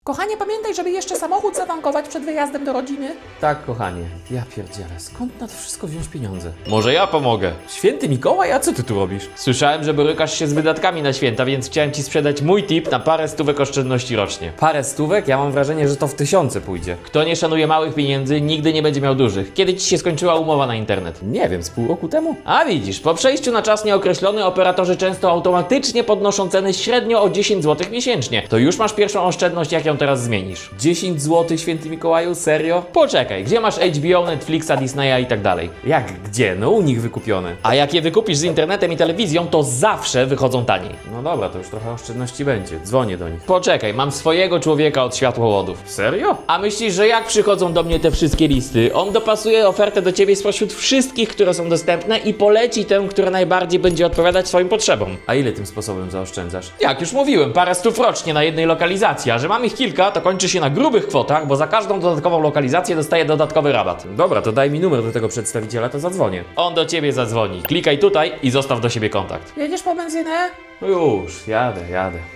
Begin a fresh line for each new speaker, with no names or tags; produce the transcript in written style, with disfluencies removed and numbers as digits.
Kochanie, pamiętaj, żeby jeszcze samochód zatankować przed wyjazdem do rodziny.
Tak, kochanie. Ja pierdzielę, skąd na to wszystko wziąć pieniądze? Może ja pomogę. Święty Mikołaj, a co ty tu robisz? Słyszałem, że borykasz się z wydatkami na święta, więc chciałem ci sprzedać mój tip na parę stówek oszczędności rocznie. Parę stówek? Ja mam wrażenie, że to w tysiące pójdzie. Kto nie szanuje małych pieniędzy, nigdy nie będzie miał dużych. Kiedy ci się skończyła umowa na internet? Nie wiem, z pół roku temu? A widzisz, po przejściu na czas nieokreślony operatorzy często automatycznie podnoszą ceny średnio o 10 zł miesięcznie. To już masz pierwszą oszczędność, jak ją teraz zmienisz. 10 zł, święty Mikołaju? Serio? Poczekaj, gdzie masz HBO, Netflixa, Disneya i tak dalej? Jak gdzie? No u nich wykupione. A jak je wykupisz z internetem i telewizją, to zawsze wychodzą taniej. No dobra, to już trochę oszczędności będzie. Dzwonię do nich. Poczekaj, mam swojego człowieka od światłowodów. Serio? A myślisz, że jak przychodzą do mnie te wszystkie listy, on dopasuje ofertę do ciebie spośród wszystkich, które są dostępne i poleci tę, która najbardziej będzie odpowiadać swoim potrzebom. A ile tym sposobem zaoszczędzasz? Jak już mówiłem, parę stów rocznie na jednej lokalizacji, a że mam ich kilka, to kończy się na grubych kwotach, bo za każdą dodatkową lokalizację dostaję dodatkowy rabat. Dobra, to daj mi numer do tego przedstawiciela, to zadzwonię. On do ciebie zadzwoni. Klikaj tutaj i zostaw do siebie kontakt.
Jedziesz po benzynę?
No już, jadę.